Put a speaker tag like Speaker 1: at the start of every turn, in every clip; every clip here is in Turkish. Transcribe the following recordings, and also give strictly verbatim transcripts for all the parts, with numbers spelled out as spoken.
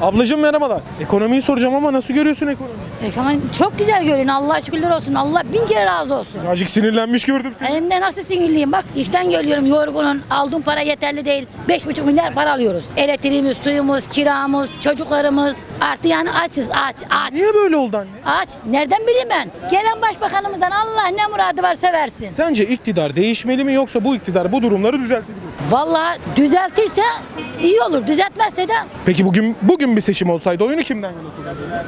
Speaker 1: Ablacığım merhabalar. Ekonomiyi soracağım ama nasıl görüyorsun ekonomiyi?
Speaker 2: Ekonomi çok güzel görün. Allah şükürler olsun. Allah bin kere razı olsun.
Speaker 1: Birazcık sinirlenmiş gördüm seni.
Speaker 2: Hem de nasıl sinirliyim bak. İşten geliyorum yorgunum. Aldığım para yeterli değil. Beş buçuk milyar para alıyoruz. Elektriğimiz, suyumuz, kiramız, çocuklarımız. Artı yani açız aç aç.
Speaker 1: Niye böyle oldu anne?
Speaker 2: Aç. Nereden bileyim ben? Gelen başbakanımızdan Allah ne muradı varsa versin.
Speaker 1: Sence iktidar değişmeli mi yoksa bu iktidar bu durumları düzeltebilir mi?
Speaker 2: Vallahi düzeltirse iyi olur. Düzeltmezse de
Speaker 1: Peki bugün bugün bir seçim olsaydı oyunu kimden yana kullanırdın?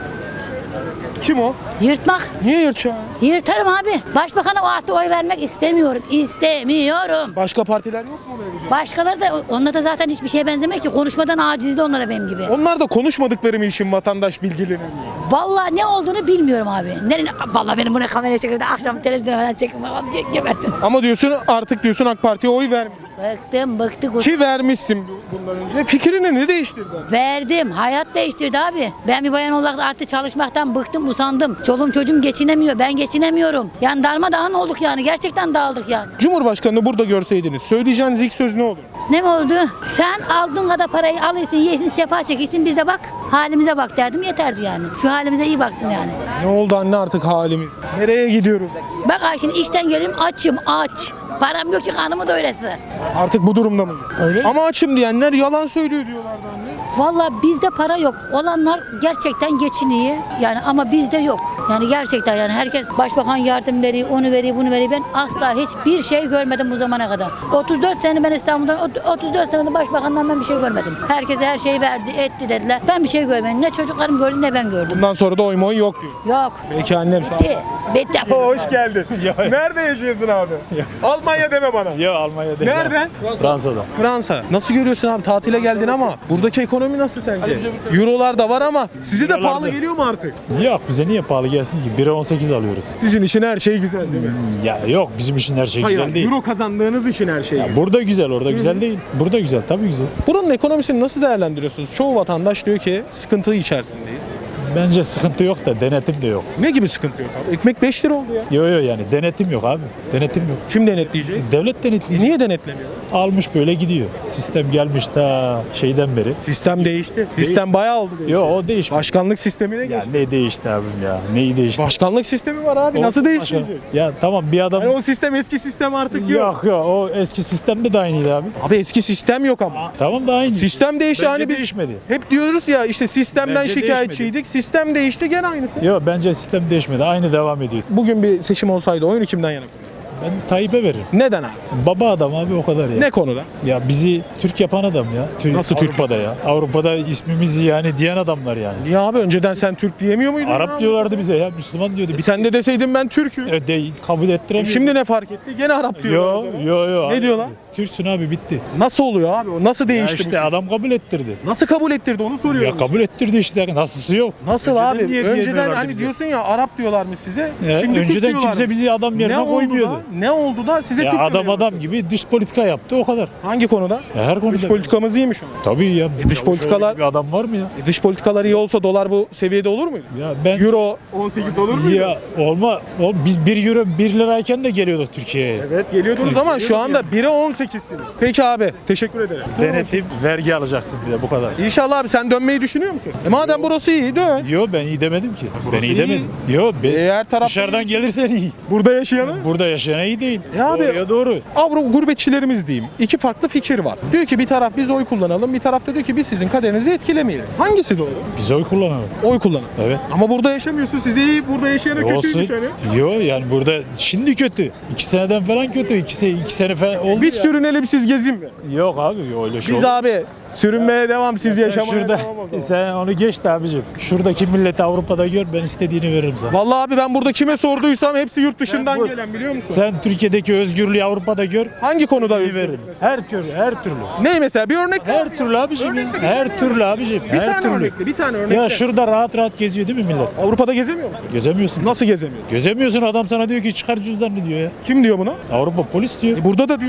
Speaker 1: Kim o?
Speaker 2: yırtmak.
Speaker 1: Niye yırtacağım?
Speaker 2: Yırtarım abi. Başbakana o artı oy vermek istemiyorum. İstemiyorum.
Speaker 1: Başka partiler yok mu verecek?
Speaker 2: Başkaları da onlar da zaten hiçbir şeye benzemiyor ki. Konuşmadan acizdi onlara benim gibi.
Speaker 1: Onlar da konuşmadıkları mı için vatandaş bilgileniyor?
Speaker 2: Vallahi ne olduğunu bilmiyorum abi. Nereye, vallahi benim bunu kameraya çekirdi. Akşam televizyona falan çekim falan diye geberdim.
Speaker 1: Ama diyorsun artık diyorsun AK Parti'ye oy verme.
Speaker 2: Bıktım bıktık.
Speaker 1: Ki vermişsin bu- bundan önce. Fikrini ne değiştirdi?
Speaker 2: Verdim. Hayat değiştirdi abi. Ben bir bayan olarak artık çalışmaktan bıktım, usandım. Çoluğum çocuğum geçinemiyor. Ben geçinemiyorum. Yani darmadağın olduk yani. Gerçekten dağıldık yani.
Speaker 1: Cumhurbaşkanını burada görseydiniz söyleyeceğiniz ilk söz ne olur?
Speaker 2: Ne mi oldu? Sen aldığın kadar parayı alıyorsun, yesin, sefa çekilsin, bize bak. Halimize bak derdim yeterdi yani. Şu halimize iyi baksın yani.
Speaker 1: Ne oldu anne artık halimiz? Nereye gidiyoruz?
Speaker 2: Bak ay şimdi işten geliyorum açım aç. Param yok ki kanımı da öylesi.
Speaker 1: Artık bu durumda mı?
Speaker 2: Öyle.
Speaker 1: Ama açım diyenler yalan söylüyor diyorlardı anne.
Speaker 2: Vallahi bizde para yok. Olanlar gerçekten geçiniyor. Yani ama bizde yok. Yani gerçekten yani herkes başbakan yardım veriyor, onu veriyor, bunu veriyor. Ben asla hiçbir şey görmedim bu zamana kadar. otuz dört sene ben İstanbul'dan, otuz dört senede başbakandan ben bir şey görmedim. Herkese her şeyi verdi, etti dediler. Ben bir şey görmedim. Ne çocuklarım gördü ne ben gördüm.
Speaker 1: Bundan sonra da oy moy yok diyor.
Speaker 2: Yok.
Speaker 1: Peki annem sağ ol.
Speaker 2: Bitti. Bitti.
Speaker 1: Hoş geldin. Nerede yaşıyorsun abi? Almanya deme bana.
Speaker 3: Ya Almanya'da.
Speaker 1: Nereden?
Speaker 3: Fransa'da.
Speaker 1: Fransa. Nasıl görüyorsun abi? Tatile geldin ama buradaki ekonomi nasıl sence? Eurolar da var ama size de
Speaker 3: Eurolar
Speaker 1: pahalı
Speaker 3: da.
Speaker 1: geliyor mu artık?
Speaker 3: Yok bize niye pahalı gelsin ki? bire on sekiz alıyoruz.
Speaker 1: Sizin için her şey güzel değil mi?
Speaker 3: Ya yok bizim için her şey
Speaker 1: Hayır,
Speaker 3: güzel değil.
Speaker 1: euro kazandığınız için her şey güzel.
Speaker 3: Burada güzel, orada güzel değil. Burada güzel, tabii güzel.
Speaker 1: Buranın ekonomisini nasıl değerlendiriyorsunuz? Çoğu vatandaş diyor ki sıkıntı içerisindeyiz.
Speaker 3: Bence sıkıntı yok da denetim de yok.
Speaker 1: Ne gibi sıkıntı yok abi? Ekmek beş lira oldu ya.
Speaker 3: Yok yok yani denetim yok abi. Denetim yok.
Speaker 1: Kim denetleyecek?
Speaker 3: Devlet denetleyecek.
Speaker 1: Niye denetlemiyor?
Speaker 3: Almış böyle gidiyor. Sistem gelmiş ta şeyden beri.
Speaker 1: Sistem değişti. Sistem bayağı oldu. Değişti.
Speaker 3: Yok o değişmiş.
Speaker 1: Başkanlık sistemine
Speaker 3: Ya
Speaker 1: geçti.
Speaker 3: ne değişti abim ya? Neyi değişti?
Speaker 1: Başkanlık sistemi var abi.
Speaker 3: O-
Speaker 1: Nasıl
Speaker 3: başka-
Speaker 1: değiştirecek?
Speaker 3: Ya tamam bir adam...
Speaker 1: Yani o sistem eski sistem artık yok.
Speaker 3: Yok yok o eski sistemde de aynıydı abi.
Speaker 1: Abi eski sistem yok ama.
Speaker 3: Tamam da aynı.
Speaker 1: Sistem değişti
Speaker 3: Bence
Speaker 1: hani biz
Speaker 3: değişmedi.
Speaker 1: hep diyoruz ya işte sistemden
Speaker 3: Bence
Speaker 1: şikayetçiydik. Sistem değişti gene aynısı.
Speaker 3: Yok bence sistem değişmedi. Aynı devam ediyor.
Speaker 1: Bugün bir seçim olsaydı oyunu kimden yana?
Speaker 3: Ben Tayyip'e veririm.
Speaker 1: Neden abi?
Speaker 3: Baba adam abi o kadar ya.
Speaker 1: Ne konuda?
Speaker 3: Ya bizi Türk yapan adam ya. Tür-
Speaker 1: Nasıl Türk
Speaker 3: Avrupa'da ya? Avrupa'da ismimizi yani diyen adamlar yani.
Speaker 1: Niye abi önceden sen Türk diyemiyor muydun?
Speaker 3: Arap
Speaker 1: ya?
Speaker 3: diyorlardı bize ya. Müslüman diyordu.
Speaker 1: E
Speaker 3: Biz
Speaker 1: sen de deseydin ben Türk'üm.
Speaker 3: e, de, kabul ettiremiyoruz.
Speaker 1: Şimdi ne fark etti? Gene Arap diyorlar. o
Speaker 3: Yo
Speaker 1: zaman.
Speaker 3: yo yo.
Speaker 1: Ne
Speaker 3: abi.
Speaker 1: diyorlar?
Speaker 3: Türksün abi bitti.
Speaker 1: Nasıl oluyor abi? O nasıl
Speaker 3: Ya
Speaker 1: değişti
Speaker 3: işte
Speaker 1: bu?
Speaker 3: adam kabul ettirdi.
Speaker 1: Nasıl kabul ettirdi onu soruyorum.
Speaker 3: Ya kabul ettirdi işte. Nasılsı yok.
Speaker 1: Nasıl
Speaker 3: Önceden
Speaker 1: abi?
Speaker 3: niye
Speaker 1: Önceden
Speaker 3: diyemiyorlardı
Speaker 1: hani
Speaker 3: bize?
Speaker 1: diyorsun ya Arap diyorlarmış size.
Speaker 3: Ya,
Speaker 1: Şimdi Türk
Speaker 3: önceden
Speaker 1: diyorlarmış.
Speaker 3: kimse bizi adam yerine
Speaker 1: ne oldu
Speaker 3: koymuyordu.
Speaker 1: da, ne oldu da size
Speaker 3: Ya
Speaker 1: Türk
Speaker 3: adam
Speaker 1: demeye
Speaker 3: adam
Speaker 1: başladı?
Speaker 3: gibi dış politika yaptı o kadar.
Speaker 1: Hangi konuda?
Speaker 3: Ya her konuda.
Speaker 1: Dış politikamız iyiymiş ama.
Speaker 3: Tabii ya.
Speaker 1: E, dış
Speaker 3: Ya
Speaker 1: politikalar-
Speaker 3: şöyle bir adam var mı ya?
Speaker 1: E, dış politikalar iyi olsa dolar bu seviyede olur muydu?
Speaker 3: Ya ben
Speaker 1: Euro on sekiz olur muydu?
Speaker 3: ya olma o, biz bir euro bir lirayken de geliyorduk Türkiye'ye.
Speaker 1: Evet geliyordunuz ama şu
Speaker 3: Geliyorduk
Speaker 1: anda bire on sekizsiniz. Peki abi teşekkür ederim.
Speaker 3: Denetim, vergi alacaksın bir de bu kadar.
Speaker 1: İnşallah abi sen dönmeyi düşünüyor musun? E madem burası iyi dön.
Speaker 3: Yo ben iyi demedim ki. Ben iyi
Speaker 1: iyi.
Speaker 3: demedim. Yo be,
Speaker 1: E, her taraf
Speaker 3: dışarıdan gelirsen iyi.
Speaker 1: Burada yaşayanı.
Speaker 3: Burada yaşayan iyi değil.
Speaker 1: E abi-
Speaker 3: Doğruya doğru.
Speaker 1: Avrupa gurbetçilerimiz diyeyim. İki farklı fikir var. Diyor ki bir taraf biz oy kullanalım, bir taraf da diyor ki biz sizin kaderinizi etkilemeyelim. Hangisi doğru?
Speaker 3: Biz oy kullanalım.
Speaker 1: Oy kullanın.
Speaker 3: Evet.
Speaker 1: Ama burada yaşamıyorsun. Size iyi, burada yaşayana kötüymüş
Speaker 3: Olsun.
Speaker 1: hani.
Speaker 3: Yo yani burada şimdi kötü. İki seneden falan kötü. İki, se iki sene falan oldu
Speaker 1: Biz
Speaker 3: ya.
Speaker 1: sürünelim siz gezin mi?
Speaker 3: Yok abi yo, öyle şey
Speaker 1: Biz
Speaker 3: olur.
Speaker 1: abi sürünmeye devam siz
Speaker 3: Sen
Speaker 1: yaşamaya
Speaker 3: şurada,
Speaker 1: devam o zaman.
Speaker 3: sen onu geç de abicim. Şuradaki milleti Avrupa'da gör ben istediğini veririm sana.
Speaker 1: Vallahi abi ben burada kime sorduysam hepsi yurt dışından
Speaker 3: bu-
Speaker 1: gelen biliyor musun?
Speaker 3: Sen Türkiye'deki özgürlüğü Avrupa'da gör.
Speaker 1: Hangi konuda
Speaker 3: iyi
Speaker 1: özgür?
Speaker 3: veririm. Her türlü, her türlü.
Speaker 1: Ne mesela bir örnek ver.
Speaker 3: Her türlü abicim. ya.
Speaker 1: Örnekle bir
Speaker 3: Her türlü abicim.
Speaker 1: Bir
Speaker 3: her
Speaker 1: tane
Speaker 3: türlü.
Speaker 1: örnekle, bir tane örnekle.
Speaker 3: Ya şurada rahat rahat geziyor değil mi millet?
Speaker 1: Avrupa'da gezemiyor musun?
Speaker 3: Gezemiyorsun.
Speaker 1: Nasıl gezemiyorsun?
Speaker 3: Gezemiyorsun adam sana diyor ki çıkar cüzdanını diyor ya.
Speaker 1: Kim diyor bunu?
Speaker 3: Avrupa polis diyor.
Speaker 1: E burada da diyor metroları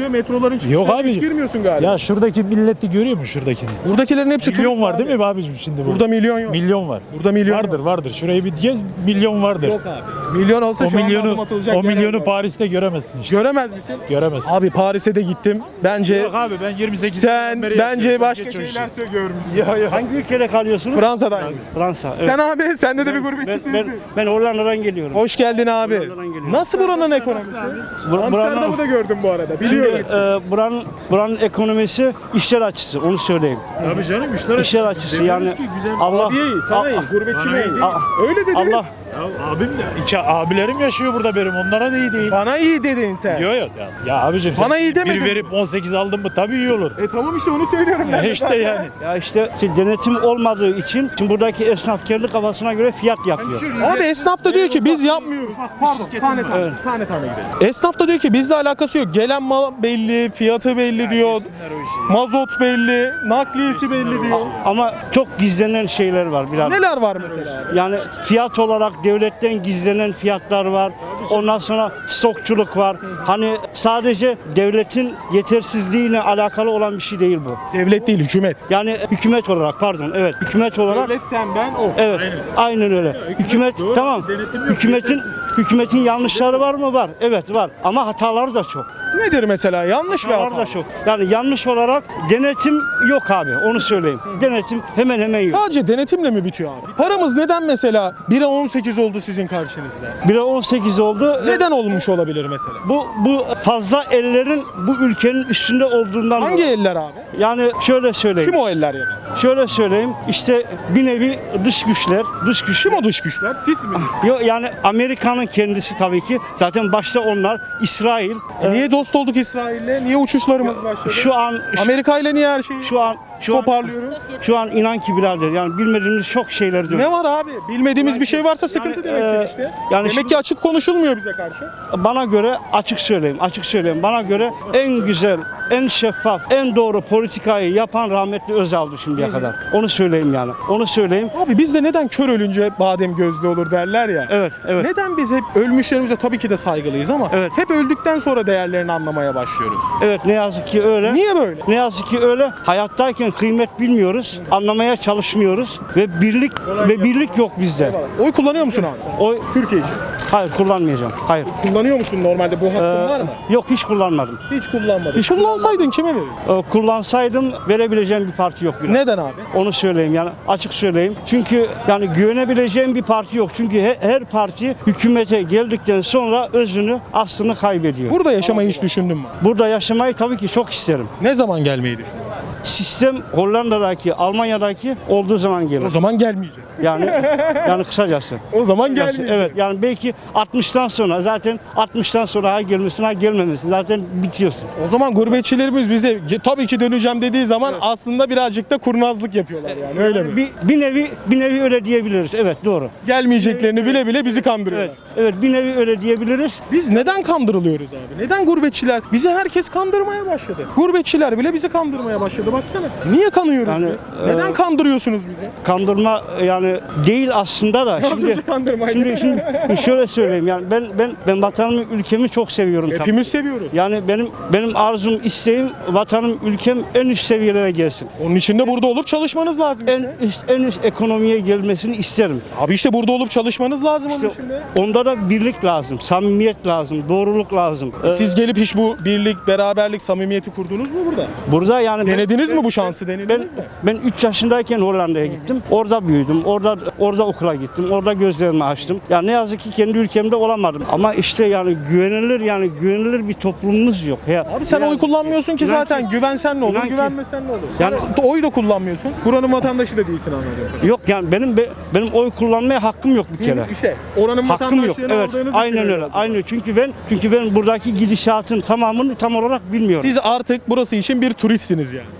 Speaker 1: Onların
Speaker 3: Yok
Speaker 1: çıkışlarına
Speaker 3: abi.
Speaker 1: hiç girmiyorsun galiba.
Speaker 3: Ya şuradaki milleti görüyor musun şuradakini?
Speaker 1: Buradakilerin hepsi
Speaker 3: Milyon
Speaker 1: turist
Speaker 3: var
Speaker 1: abi.
Speaker 3: değil mi abicim şimdi burada?
Speaker 1: Burada milyon yok.
Speaker 3: Milyon var.
Speaker 1: Burada milyon
Speaker 3: vardır
Speaker 1: yok.
Speaker 3: vardır. Şurayı bir gez milyon vardır.
Speaker 1: Yok abi. Milyon olsa
Speaker 3: O
Speaker 1: şu anda adım
Speaker 3: milyonu
Speaker 1: atılacak
Speaker 3: o
Speaker 1: yer
Speaker 3: milyonu
Speaker 1: olmaz.
Speaker 3: Paris'te göremezsin işte.
Speaker 1: Göremez misin?
Speaker 3: Göremezsin.
Speaker 1: Abi Paris'e de gittim. Bence
Speaker 3: Yok abi ben yirmi sekiz
Speaker 1: sen
Speaker 3: yaşından beri
Speaker 1: bence
Speaker 3: yaşıyorum.
Speaker 1: başka
Speaker 3: Geç o
Speaker 1: şeyler
Speaker 3: işi.
Speaker 1: sö- görmüşsün.
Speaker 3: Ya ya.
Speaker 4: Hangi ülkede kalıyorsunuz?
Speaker 1: Fransa'dan.
Speaker 4: Fransa. Evet.
Speaker 1: Sen abi sende de bir
Speaker 4: ben,
Speaker 1: gurbetçisiniz.
Speaker 4: ben, ben Hollanda'dan geliyorum.
Speaker 1: Hoş geldin abi.
Speaker 4: Hollanda'dan geliyorum.
Speaker 1: Nasıl buranın ekonomisi?
Speaker 4: Bur-
Speaker 1: Amsterdam'ı
Speaker 4: buranın-
Speaker 1: da gördüm bu arada.
Speaker 4: Şimdi
Speaker 1: Biliyorum.
Speaker 4: e, buranın, buranın ekonomisi işler açısı, onu söyleyeyim.
Speaker 3: Tabii canım işler
Speaker 4: İşler açısı yani Allah
Speaker 1: Abi iyi, sana iyi, gurbetçi
Speaker 3: bana
Speaker 1: iyi.
Speaker 3: iyi.
Speaker 1: Öyle dedi.
Speaker 4: Allah
Speaker 3: Ya abim de iki abilerim yaşıyor burada benim. Onlara da iyi değil.
Speaker 1: Bana iyi dedin sen.
Speaker 3: Yok yok ya. Ya abicim sen
Speaker 1: Bana iyi demedin.
Speaker 3: bir verip on sekiz aldın mı tabii iyi olur.
Speaker 1: E tamam işte onu söylüyorum ben.
Speaker 3: Ya
Speaker 1: de
Speaker 3: işte
Speaker 1: zaten.
Speaker 3: yani.
Speaker 4: ya işte işte denetim olmadığı için şimdi buradaki esnaf kendi kafasına göre fiyat yapıyor.
Speaker 1: Abi esnaf da diyor ki biz yapmıyoruz. Pardon tane tane,
Speaker 4: Evet.
Speaker 1: tane tane gidelim. Esnaf da diyor ki bizle alakası yok. Gelen mal belli, fiyatı belli diyor.
Speaker 3: Yesinler o işi.
Speaker 1: Mazot belli, nakliyesi belli diyor.
Speaker 4: Ama çok gizlenen şeyler var biraz.
Speaker 1: Neler var mesela abi?
Speaker 4: Yani fiyat olarak devletten gizlenen fiyatlar var. Ondan sonra stokçuluk var. Hani sadece devletin yetersizliğine alakalı olan bir şey değil bu.
Speaker 1: Devlet değil, hükümet.
Speaker 4: Yani hükümet olarak pardon evet hükümet olarak
Speaker 1: Devlet sen ben o.
Speaker 4: evet aynen, öyle. Hükümet
Speaker 3: doğru,
Speaker 4: tamam.
Speaker 3: denetim yok,
Speaker 4: Hükümetin hükümetin yanlışları var mı? Var. Evet var. Ama hataları da çok.
Speaker 1: Nedir mesela? Yanlış ve
Speaker 4: Hataları
Speaker 1: hata.
Speaker 4: da çok. Yani yanlış olarak denetim yok abi. Onu söyleyeyim. Denetim hemen hemen yok.
Speaker 1: Sadece denetimle mi bitiyor abi? Paramız neden mesela bire on sekiz oldu sizin karşınızda?
Speaker 4: bire on sekiz oldu.
Speaker 1: Neden olmuş olabilir mesela?
Speaker 4: Bu bu fazla ellerin bu ülkenin üstünde olduğundan
Speaker 1: Hangi
Speaker 4: dolayı.
Speaker 1: eller abi?
Speaker 4: Yani şöyle söyleyeyim.
Speaker 1: Kim o eller yani?
Speaker 4: Şöyle söyleyeyim. İşte bir nevi dış güçler, dış güçler.
Speaker 1: Kim o dış güçler? Siz mi?
Speaker 4: Yok yani Amerika'nın kendisi tabii ki. Zaten başta onlar İsrail.
Speaker 1: E niye dost olduk İsrail'le? Niye uçuşlarımız başladı?
Speaker 4: Şu an şu,
Speaker 1: Amerika ile niye her şeyi
Speaker 4: şu an şu an
Speaker 1: toparlıyoruz?
Speaker 4: şu an inan ki birader yani bilmediğimiz çok şeyler diyor.
Speaker 1: Ne var abi? Bilmediğimiz bir şey varsa sıkıntı
Speaker 4: yani,
Speaker 1: demektir
Speaker 4: e,
Speaker 1: işte.
Speaker 4: yani
Speaker 1: Demek
Speaker 4: şimdi-
Speaker 1: ki açık konuşulmuyor bize karşı.
Speaker 4: Bana göre açık söyleyeyim, açık söyleyeyim. Bana göre en güzel, en şeffaf, en doğru politikayı yapan rahmetli Özal'dı şimdiye kadar. Onu söyleyeyim yani. Onu söyleyeyim.
Speaker 1: Abi bizde neden kör ölünce badem gözlü olur derler ya.
Speaker 4: Evet, evet.
Speaker 1: Neden biz hep ölmüşlerimize tabii ki de saygılıyız ama
Speaker 4: Evet.
Speaker 1: hep öldükten sonra değerlerini anlamaya başlıyoruz.
Speaker 4: Evet ne yazık ki öyle.
Speaker 1: Niye böyle?
Speaker 4: Ne yazık ki öyle. Hayattayken kıymet bilmiyoruz. Anlamaya çalışmıyoruz ve birlik ve birlik yok bizde.
Speaker 1: Oy kullanıyor musun abi?
Speaker 4: O
Speaker 1: Türkiye için.
Speaker 4: hayır kullanmayacağım. Hayır.
Speaker 1: Kullanıyor musun normalde? Bu hakkın
Speaker 4: Ee,
Speaker 1: var mı?
Speaker 4: Yok hiç kullanmadım.
Speaker 1: Hiç kullanmadın.
Speaker 4: hiç
Speaker 1: Kullansaydın kime verirdin?
Speaker 4: Ee, kullansaydım verebileceğim bir parti yok. biraz.
Speaker 1: Neden abi?
Speaker 4: Onu söyleyeyim yani açık söyleyeyim. Çünkü yani güvenebileceğim bir parti yok. Çünkü he- her parti hükümete geldikten sonra özünü, aslını kaybediyor.
Speaker 1: Burada yaşamayı hiç düşündün mü?
Speaker 4: Burada yaşamayı tabii ki çok isterim.
Speaker 1: Ne zaman gelmeyi düşünüyorsun?
Speaker 4: Sistem Hollanda'daki, Almanya'daki olduğu zaman
Speaker 1: O
Speaker 4: gelir.
Speaker 1: zaman gelmeyecek.
Speaker 4: Yani yani kısacası.
Speaker 1: O zaman
Speaker 4: Kısacası,
Speaker 1: gelmeyecek.
Speaker 4: Evet yani belki altmıştan sonra zaten altmıştan sonra ha gelmesin ha gelmemesin zaten bitiyorsun.
Speaker 1: O zaman gurbetçilerimiz bize "Ge- tabii ki döneceğim dediği zaman aslında birazcık da kurnazlık yapıyorlar yani öyle mi?
Speaker 4: Bir, bir nevi bir nevi öyle diyebiliriz. Evet doğru.
Speaker 1: Gelmeyeceklerini bile bile bizi kandırıyorlar.
Speaker 4: Evet. Evet bir nevi öyle diyebiliriz.
Speaker 1: Biz neden kandırılıyoruz abi? Neden gurbetçiler? Bizi herkes kandırmaya başladı. Gurbetçiler bile bizi kandırmaya başladı baksana. Niye kanıyoruz
Speaker 4: Yani,
Speaker 1: biz?
Speaker 4: e,
Speaker 1: Neden kandırıyorsunuz bizi?
Speaker 4: Kandırma yani değil aslında da
Speaker 1: Az
Speaker 4: şimdi
Speaker 1: önce kandırmaydı.
Speaker 4: şimdi şimdi şöyle söyleyeyim yani ben ben ben vatanımı ülkemi çok seviyorum tabii.
Speaker 1: Hepimiz seviyoruz.
Speaker 4: Yani benim benim arzum isteğim vatanım ülkem en üst seviyelere gelsin.
Speaker 1: Onun için de burada olup çalışmanız lazım.
Speaker 4: En
Speaker 1: işte.
Speaker 4: üst en üst ekonomiye gelmesini isterim.
Speaker 1: Abi işte burada olup çalışmanız lazım onun
Speaker 4: İşte
Speaker 1: için de.
Speaker 4: onda da birlik lazım, samimiyet lazım, doğruluk lazım. Ee,
Speaker 1: Siz gelip hiç bu birlik, beraberlik, samimiyeti kurdunuz mu burada?
Speaker 4: burada yani ben-
Speaker 1: Denediniz
Speaker 4: ben-
Speaker 1: mi bu şansı?
Speaker 4: Ben
Speaker 1: Denediniz mi?
Speaker 4: ben üç yaşındayken Hollanda'ya gittim. Orada büyüdüm. Orada orada okula gittim. Orada gözlerimi açtım. Ya ne yazık ki kendi ülkemde olamadım. Ama işte yani güvenilir yani güvenilir bir toplumumuz yok. Ya,
Speaker 1: Abi sen
Speaker 4: inan-
Speaker 1: oy kullanmıyorsun ki
Speaker 4: inan
Speaker 1: zaten.
Speaker 4: ki-
Speaker 1: Güvensen ne olur,
Speaker 4: inan ki-
Speaker 1: güvenmesen ne olur?
Speaker 4: Yani-
Speaker 1: Sen oy da kullanmıyorsun. Buranın vatandaşı da değilsin anladığım kadarıyla.
Speaker 4: Yok yani benim be- benim oy kullanmaya hakkım yok bir kere.
Speaker 1: İşte oranın
Speaker 4: Hakkım yok.
Speaker 1: vatandaşlığını
Speaker 4: Evet.
Speaker 1: aldığınız için
Speaker 4: Aynen öyle.
Speaker 1: oldu.
Speaker 4: Aynen. Çünkü ben çünkü ben buradaki gidişatın tamamını tam olarak bilmiyorum.
Speaker 1: Siz artık burası için bir turistsiniz yani.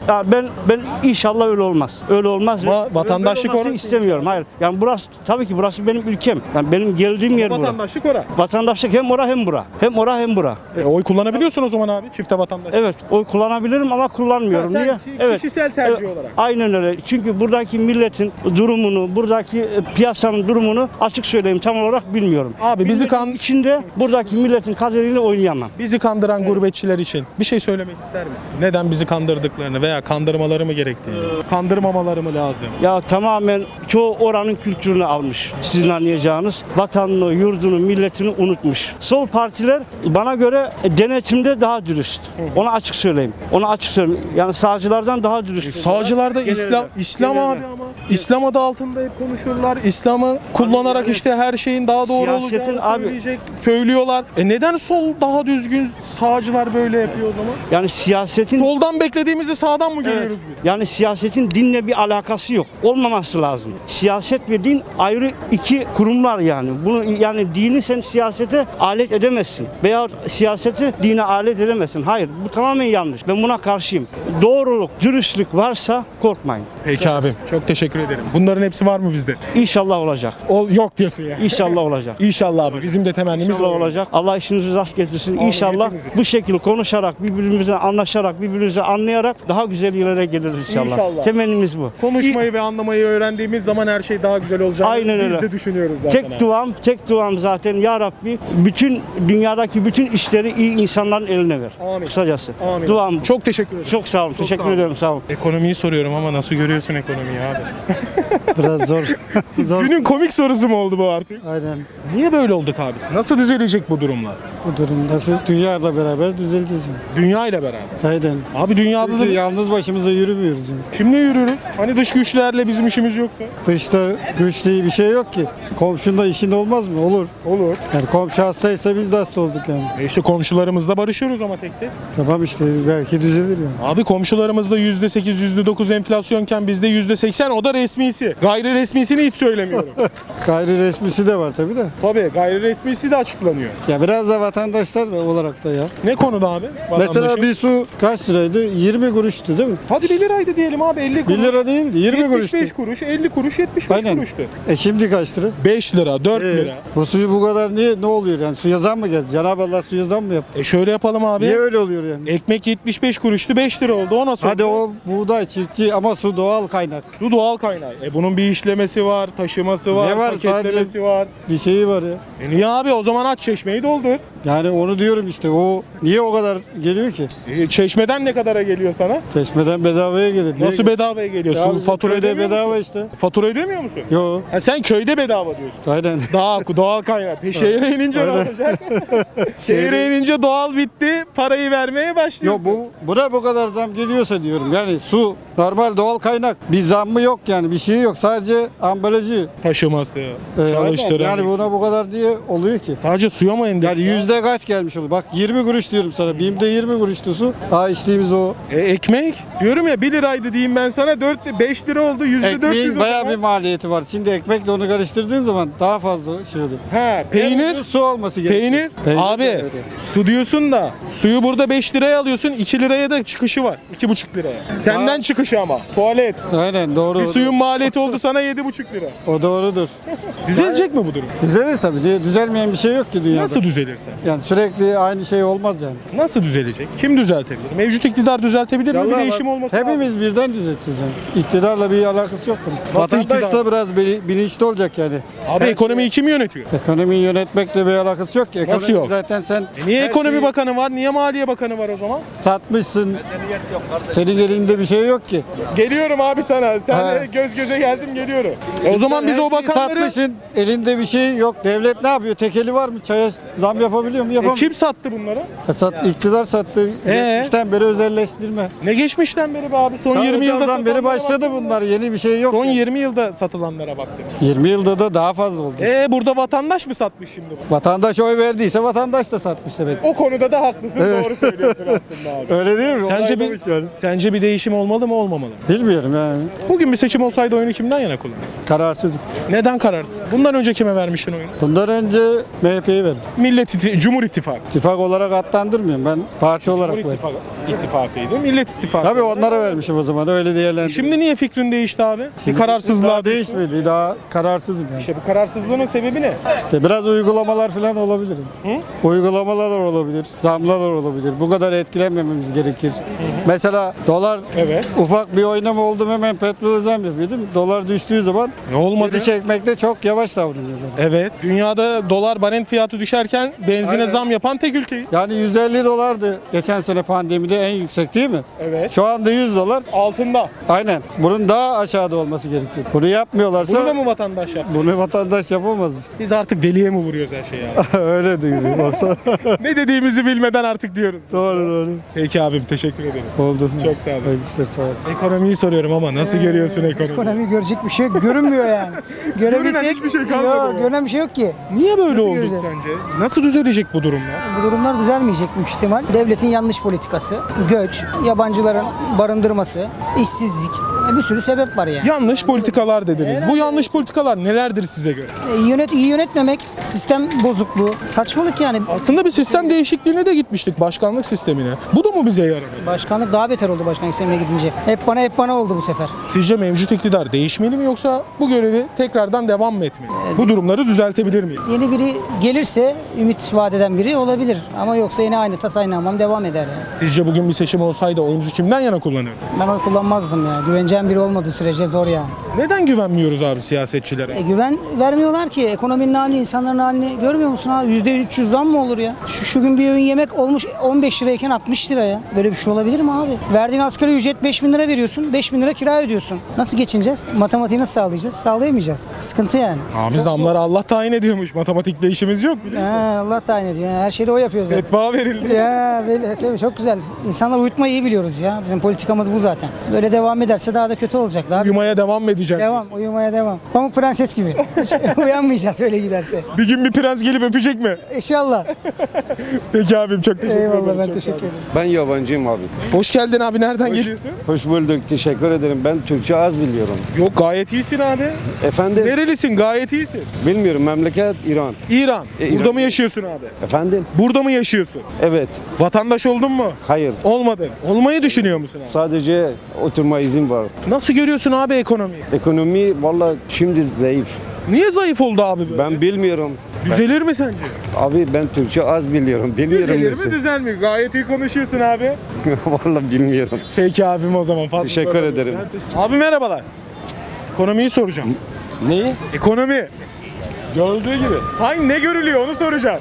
Speaker 4: Ya ben ben inşallah öyle olmaz. Öyle olmaz.
Speaker 1: Ama
Speaker 4: ve-
Speaker 1: vatandaşlık
Speaker 4: böyle olmasını
Speaker 1: orası.
Speaker 4: istemiyorum. Hayır. Yani burası tabii ki burası benim ülkem. Yani benim geldiğim yer burası.
Speaker 1: Vatandaşlık ora.
Speaker 4: Vatandaşlık hem ora hem bura. Hem ora hem bura.
Speaker 1: E, oy kullanabiliyorsun o zaman abi çifte vatandaş.
Speaker 4: Evet, oy kullanabilirim ama kullanmıyorum.
Speaker 1: Ha, sen
Speaker 4: Niye?
Speaker 1: ki-
Speaker 4: Evet.
Speaker 1: kişisel tercih
Speaker 4: Evet,
Speaker 1: olarak.
Speaker 4: Aynen öyle. Çünkü buradaki milletin durumunu, buradaki e, piyasanın durumunu açık söyleyeyim tam olarak bilmiyorum.
Speaker 1: Abi bizi
Speaker 4: Milletin
Speaker 1: kan
Speaker 4: içinde buradaki milletin kaderiyle oynayamam.
Speaker 1: bizi kandıran gurbetçiler için bir şey söylemek ister misin? Neden bizi kandırdıklarını veya kandırmaları mı gerektiğini? Kandırmamaları mı lazım?
Speaker 4: Ya tamamen çoğu oranın kültürünü almış. Sizin anlayacağınız vatanını, yurdunu, milletini unutmuş. Sol partiler bana göre denetimde daha dürüst. Onu açık söyleyeyim. Onu açık söyleyeyim. Yani sağcılardan daha dürüst.
Speaker 1: Sağcılarda
Speaker 4: Genelde.
Speaker 1: İslam İslam
Speaker 4: Genelde.
Speaker 1: abi ama İslam adı altında hep konuşurlar. İslam'ı kullanarak
Speaker 4: yani
Speaker 1: işte her şeyin daha doğru
Speaker 4: siyasetin
Speaker 1: olacağını
Speaker 4: abi-
Speaker 1: söyleyecek, söylüyorlar. E neden sol daha düzgün, sağcılar böyle yapıyor o zaman?
Speaker 4: Yani siyasetin
Speaker 1: Soldan beklediğimizi sağdan mı
Speaker 4: Evet.
Speaker 1: görüyoruz biz?
Speaker 4: Yani siyasetin dinle bir alakası yok. Olmaması lazım. Siyaset ve din ayrı iki kurumlar yani. Bunu yani dini sen siyasete alet edemezsin. Veya siyaseti dine alet edemezsin. Hayır, bu tamamen yanlış. Ben buna karşıyım. Doğruluk, dürüstlük varsa korkmayın.
Speaker 1: Peki abim. Çok teşekkür ederim. Bunların hepsi var mı bizde?
Speaker 4: İnşallah olacak.
Speaker 1: Ol, yok diyorsun ya.
Speaker 4: İnşallah olacak.
Speaker 1: İnşallah abi. Bizim de temennimiz
Speaker 4: İnşallah
Speaker 1: o.
Speaker 4: olacak. Allah işinizi rast getirsin. İnşallah
Speaker 1: hepimizi.
Speaker 4: bu şekilde konuşarak, birbirimizle anlaşarak, birbirimizi anlayarak daha güzel yerlere geliriz inşallah.
Speaker 1: İnşallah.
Speaker 4: Temennimiz bu.
Speaker 1: Konuşmayı ve anlamayı öğrendiğimiz zaman her şey daha güzel olacağını
Speaker 4: Aynen
Speaker 1: biz
Speaker 4: öyle.
Speaker 1: de düşünüyoruz zaten.
Speaker 4: Tek
Speaker 1: abi.
Speaker 4: duam, tek duam zaten ya Rabbi bütün dünyadaki bütün işleri iyi insanların eline ver.
Speaker 1: Amin.
Speaker 4: Kısacası.
Speaker 1: Amin.
Speaker 4: Duam. Çok,
Speaker 1: Çok teşekkür ederim.
Speaker 4: çok sağ olun. Teşekkür
Speaker 1: sağ olun.
Speaker 4: ederim. Sağ olun.
Speaker 1: Ekonomiyi soruyorum ama nasıl görüyorsun ekonomiyi abi?
Speaker 5: Biraz zor. zor.
Speaker 1: Günün komik sorusu mu oldu bu artık?
Speaker 5: Aynen.
Speaker 1: Niye böyle olduk abi? Nasıl düzelecek bu durumlar?
Speaker 5: Bu durum nasıl dünyayla beraber düzeleceğiz yani.
Speaker 1: Dünya ile beraber.
Speaker 5: Aynen.
Speaker 1: Abi dünyada da
Speaker 5: Çünkü yalnız başımıza yürümüyoruz yani.
Speaker 1: kimle yürürüz? Hani dış güçlerle bizim işimiz yoktu.
Speaker 5: Dışta güçlü bir şey yok ki. Komşunda işin olmaz mı? Olur.
Speaker 1: Olur.
Speaker 5: Yani komşu hastaysa biz de hasta olduk yani.
Speaker 1: E işte komşularımızla barışıyoruz ama tek tek.
Speaker 5: Tamam işte belki düzelir yani.
Speaker 1: Abi komşularımızda yüzde sekiz, yüzde dokuz enflasyonken bizde yüzde seksen, o da resmisi. Gayri resmisini hiç söylemiyorum.
Speaker 5: Gayri resmisi de var tabii de.
Speaker 1: Tabii gayri resmisi de açıklanıyor.
Speaker 5: Ya biraz da vatandaşlar da olarak da ya.
Speaker 1: Ne konuda abi?
Speaker 5: Mesela
Speaker 1: Vatandaşın?
Speaker 5: bir su kaç liraydı? yirmi kuruştu değil mi?
Speaker 1: Hadi bir liraydı diyelim abi, elli kuruş.
Speaker 5: bir lira değildi, yirmi
Speaker 1: yetmiş
Speaker 5: kuruştu.
Speaker 1: beş kuruş, elli kuruş, yetmiş beş
Speaker 5: Aynen.
Speaker 1: kuruştu.
Speaker 5: E şimdi kaç lira?
Speaker 1: beş lira, dört
Speaker 5: Ee,
Speaker 1: lira.
Speaker 5: Bu suyu bu kadar niye ne oluyor yani? Suya zam mı geldi? Cenab-ı Allah suya zam mı yaptı?
Speaker 1: E şöyle yapalım abi.
Speaker 5: Niye öyle oluyor yani?
Speaker 1: Ekmek yetmiş beş kuruştu, beş lira oldu. O nasıl
Speaker 5: Hadi
Speaker 1: oldu?
Speaker 5: o buğday çiftçi ama su doğal kaynak.
Speaker 1: Su doğal kaynağı. E bunun bir işlemesi var, taşıması var,
Speaker 5: Ne var?
Speaker 1: paketlemesi
Speaker 5: Sadece-
Speaker 1: var.
Speaker 5: Bir şeyi var ya.
Speaker 1: E niye abi? O zaman aç çeşmeyi doldur.
Speaker 5: Yani onu diyorum işte o niye o kadar geliyor ki?
Speaker 1: E, çeşmeden ne kadara geliyor sana?
Speaker 5: Çeşmeden bedavaya gelir. Niye
Speaker 1: Nasıl
Speaker 5: geliyor?
Speaker 1: bedavaya geliyor?
Speaker 5: Ya
Speaker 1: Su
Speaker 5: bizim
Speaker 1: fatura
Speaker 5: köyde
Speaker 1: ödemiyor
Speaker 5: bedava
Speaker 1: musun?
Speaker 5: işte.
Speaker 1: Fatura ödemiyor musun?
Speaker 5: Yo.
Speaker 1: Ha, sen köyde bedava diyorsun.
Speaker 5: Aynen.
Speaker 1: Daha doğal kaynak. Pe şehre inince ne
Speaker 5: Aynen.
Speaker 1: olacak? Şehre inince doğal bitti. Parayı vermeye
Speaker 5: Yo
Speaker 1: başlıyorsun.
Speaker 5: bu buna bu kadar zam geliyorsa diyorum. Yani su normal doğal kaynak. Bir zammı yok yani. Bir şey yok. Sadece ambalajı.
Speaker 1: Taşıması,
Speaker 5: Ee, aynen.
Speaker 1: çalıştıran.
Speaker 5: Yani buna bu kadar diye oluyor ki.
Speaker 1: Sadece suya mı endeks?
Speaker 5: Yani yüzde kaç gelmiş olur? Bak yirmi kuruş diyorum sana. BİM'de yirmi kuruştu su. Ha içtiğimiz o.
Speaker 1: E, ekmek. Diyorum ya bir liraydı diyeyim ben sana. dört, beş lira oldu. Yüzde dört yüz.
Speaker 5: Ekmeğin bayağı bir maliyeti var. Şimdi ekmekle onu karıştırdığın zaman daha fazla şey oluyor.
Speaker 1: Ha, peynir.
Speaker 5: Yani su olması gerekiyor.
Speaker 1: Peynir.
Speaker 5: Peynir de
Speaker 1: Abi
Speaker 5: öyle.
Speaker 1: su diyorsun da suyu burada beş liraya alıyorsun, iki liraya da çıkışı var. iki buçuk liraya. Senden
Speaker 5: Aa.
Speaker 1: çıkışı ama. Tuvalet.
Speaker 5: Aynen doğru.
Speaker 1: Bir
Speaker 5: o
Speaker 1: suyun maliyeti oldu sana yedi buçuk lira.
Speaker 5: da- O doğrudur.
Speaker 1: Düzelecek mi bu durum?
Speaker 5: Düzelir tabii. Niye? Düzelmeyen bir şey yok ki dünyada.
Speaker 1: Nasıl düzelir sen?
Speaker 5: Yani sürekli aynı şey olmaz yani.
Speaker 1: Nasıl düzelecek? Kim düzeltebilir? Mevcut iktidar düzeltebilir mi? Bir
Speaker 5: Vallahi
Speaker 1: değişim
Speaker 5: bak,
Speaker 1: olması lazım.
Speaker 5: hepimiz birden düzelteceğiz yani. İktidarla bir alakası yok bunun.
Speaker 1: Nasıl
Speaker 5: Vatandaş
Speaker 1: iktidar?
Speaker 5: da biraz bili- bilinçli olacak yani.
Speaker 1: Abi ekonomiyi kim yönetiyor?
Speaker 5: Ekonomiyi yönetmekle bir alakası yok ki. Ekonomi
Speaker 1: Nasıl yok?
Speaker 5: Zaten sen
Speaker 1: E niye
Speaker 5: her
Speaker 1: ekonomi
Speaker 5: şeyi
Speaker 1: bakanı var? Niye maliye bakanı var o zaman?
Speaker 5: satmışsın. Senin elinde bir şey yok ki.
Speaker 1: Geliyorum abi sana. Sen
Speaker 5: Ha.
Speaker 1: göz göze geldim geliyorum. E o zaman biz
Speaker 5: Her
Speaker 1: o
Speaker 5: şeyi
Speaker 1: bakanları...
Speaker 5: satmışsın. Elinde bir şey yok. Devlet ne yapıyor? Tekeli var mı? Çaya zam yapabiliyor mu?
Speaker 1: E
Speaker 5: Yapamıyor.
Speaker 1: kim sattı bunları?
Speaker 5: E sat, iktidar sattı.
Speaker 1: Ee?
Speaker 5: Geçmişten beri özelleştirme.
Speaker 1: Ne geçmişten beri be abi? Son
Speaker 5: Ta
Speaker 1: yirmi yılda
Speaker 5: Özal'dan beri
Speaker 1: satılanlara
Speaker 5: başladı
Speaker 1: baktın mı?
Speaker 5: bunlar. Yeni bir şey yok.
Speaker 1: Son
Speaker 5: yani.
Speaker 1: yirmi yılda satılanlara baktım.
Speaker 5: yirmi yılda da daha fazla oldu.
Speaker 1: E burada vatandaş mı satmış şimdi bu?
Speaker 5: Vatandaş oy verdiyse vatandaş da satmış evet.
Speaker 1: O konuda da haklısın. Doğru söylüyorsun aslında abi.
Speaker 5: Öyle değil mi?
Speaker 1: Sence bir,
Speaker 5: Onaylamış yani.
Speaker 1: sence bir değişim olmalı mı olmamalı mı?
Speaker 5: Bilmiyorum yani.
Speaker 1: Bugün bir seçim olsaydı oyunu kimden yana kullanırdın?
Speaker 5: Kararsızım.
Speaker 1: Neden kararsız? Bundan önce kime vermiştin oyunu?
Speaker 5: Bundan önce M H P'yi verdim.
Speaker 1: Millet İttifakı, Cumhur İttifakı.
Speaker 5: İttifak olarak adlandırmıyorum. Ben parti olarak
Speaker 1: Cumhur
Speaker 5: verdim.
Speaker 1: İttifakı, İttifakı'ydı. Millet İttifakı.
Speaker 5: Tabii onlara vermişim o zaman. Öyle diyelim.
Speaker 1: Şimdi niye fikrin değişti abi? Bir kararsızlığa
Speaker 5: daha değişmedi. Daha kararsızım yani.
Speaker 1: İşte bu kararsızlığın sebebi ne?
Speaker 5: İşte biraz uygulamalar falan olabilir.
Speaker 1: Hı?
Speaker 5: Uygulamalar olabilir. Zamlar olabilir. Bu kadar etkilenmememiz gerekir. Mesela dolar
Speaker 1: Evet.
Speaker 5: ufak bir oynama oldu mu hemen petrol zam yapıyor değil mi? Dolar düştüğü zaman
Speaker 1: Ne olmadı?
Speaker 5: geri çekmekte çok yavaş davranıyorlar.
Speaker 1: Evet. Dünyada dolar barent fiyatı düşerken benzine
Speaker 5: Aynen.
Speaker 1: zam yapan tek ülkeyiz.
Speaker 5: Yani yüz elli dolardı geçen sene pandemide en yüksek değil mi?
Speaker 1: Evet.
Speaker 5: Şu anda yüz dolar.
Speaker 1: Altında.
Speaker 5: Aynen. Bunun daha aşağıda olması gerekiyor. Bunu yapmıyorlarsa
Speaker 1: Bunu da mı vatandaş yaptı?
Speaker 5: bunu vatandaş yapamaz işte.
Speaker 1: Biz artık deliye mi vuruyoruz her şeyi abi?
Speaker 5: Öyle diyor. Olsa.
Speaker 1: Ne dediğimizi bilmeden artık diyoruz.
Speaker 5: Doğru doğru.
Speaker 1: Peki abim teşekkür ederim.
Speaker 5: Oldu.
Speaker 1: Çok sağ olun.
Speaker 5: Hayırlı işler, sağ olun.
Speaker 1: Ekonomiyi soruyorum ama nasıl görüyorsun ekonomiyi?
Speaker 6: Ekonomi görecek bir şey yok. Görünmüyor yani. Görebilsek
Speaker 1: hiçbir şey kalmadı
Speaker 6: Yok,
Speaker 1: mı?
Speaker 6: görünen bir şey yok ki.
Speaker 1: Niye böyle
Speaker 6: Nasıl
Speaker 1: oldu
Speaker 6: göreceğiz?
Speaker 1: sence? Nasıl düzelecek bu durumlar?
Speaker 6: Bu durumlar düzelmeyecek büyük ihtimal. Devletin yanlış politikası, göç, yabancıların barındırması, işsizlik. Bir sürü sebep var yani.
Speaker 1: Yanlış politikalar dediniz. Bu yanlış politikalar nelerdir size göre?
Speaker 6: E, Yönet, iyi yönetmemek, sistem bozukluğu, saçmalık yani.
Speaker 1: Aslında bir sistem değişikliğine de gitmiştik, başkanlık sistemine. Bu da mı bize yaradı?
Speaker 6: Başkanlık daha beter oldu başkanlık sistemine gidince. Hep bana hep bana oldu bu sefer.
Speaker 1: Sizce mevcut iktidar değişmeli mi yoksa bu görevi tekrardan devam mı etmeli? Bu durumları düzeltebilir miyiz?
Speaker 6: Yeni biri gelirse ümit vaat eden biri olabilir. Ama yoksa yine aynı tas aynı hamam devam eder yani.
Speaker 1: Sizce bugün bir seçim olsaydı oyunuzu kimden yana kullanırdın?
Speaker 6: Ben oy kullanmazdım ya. Güveneceğim biri olmadığı sürece zor yani.
Speaker 1: Neden güvenmiyoruz abi siyasetçilere?
Speaker 6: E, güven vermiyorlar ki. Ekonominin halini, insanların halini görmüyor musun abi? yüzde üç yüz zam mı olur ya? Şu, şu gün bir öğün yemek olmuş on beş lirayken altmış lira ya. Böyle bir şey olabilir mi abi? Verdiğin asgari ücret beş bin lira veriyorsun. beş bin lira kira ödüyorsun. Nasıl geçineceğiz? Matematiği nasıl sağlayacağız? Sağlayamayacağız. Sıkıntı yani.
Speaker 1: Abi zamları Allah tayin ediyormuş. Matematikle işimiz yok biliyorsun.
Speaker 6: Ha, Allah tayin ediyor. Yani her şeyde o yapıyor zaten.
Speaker 1: Fetva verildi.
Speaker 6: Ya böyle tabii çok güzel. İnsanlar uyutmayı iyi biliyoruz ya. Bizim politikamız bu zaten. Böyle devam ederse daha da kötü olacak. Daha
Speaker 1: Uyumaya devam mı edeceğiz?
Speaker 6: devam, uyumaya devam. Pamuk Prenses gibi. Uyanmayacağız öyle giderse.
Speaker 1: Bir gün bir prens gelip öpecek mi?
Speaker 6: İnşallah.
Speaker 1: Peki abim çok teşekkür ederim.
Speaker 6: Eyvallah ben
Speaker 1: Çok
Speaker 6: teşekkür
Speaker 1: sağ olun.
Speaker 6: ederim.
Speaker 7: Ben yabancıyım abi.
Speaker 1: Hoş geldin abi. Nereden geliyorsun?
Speaker 7: Hoş bulduk. Teşekkür ederim. Ben Türkçe az biliyorum.
Speaker 1: Yok gayet iyisin abi.
Speaker 7: Efendim?
Speaker 1: Nerelisin? Gayet iyisin.
Speaker 7: Bilmiyorum. Memleket İran.
Speaker 1: İran.
Speaker 7: E,
Speaker 1: Burada
Speaker 7: İran.
Speaker 1: mı yaşıyorsun abi?
Speaker 7: Efendim?
Speaker 1: Burada mı yaşıyorsun?
Speaker 7: Evet.
Speaker 1: Vatandaş oldun mu?
Speaker 7: Hayır.
Speaker 1: Olmadın. Olmayı düşünüyor musun abi?
Speaker 7: Sadece oturma izin var.
Speaker 1: Nasıl görüyorsun abi ekonomiyi?
Speaker 7: Ekonomi valla şimdi zayıf.
Speaker 1: Niye zayıf oldu abi böyle?
Speaker 7: Ben bilmiyorum.
Speaker 1: Düzelir mi sence?
Speaker 7: Abi ben Türkçe az biliyorum. Bilmiyorum
Speaker 1: Düzelir mi
Speaker 7: nasıl.
Speaker 1: düzelmiyor? Gayet iyi konuşuyorsun abi.
Speaker 7: Valla bilmiyorum.
Speaker 1: Peki abim o zaman fazla
Speaker 7: Teşekkür
Speaker 1: sormayayım.
Speaker 7: ederim.
Speaker 1: Abi merhabalar. Ekonomiyi soracağım.
Speaker 7: Neyi?
Speaker 1: Ekonomi. Gördüğü gibi. Hayır ne görülüyor onu soracağım.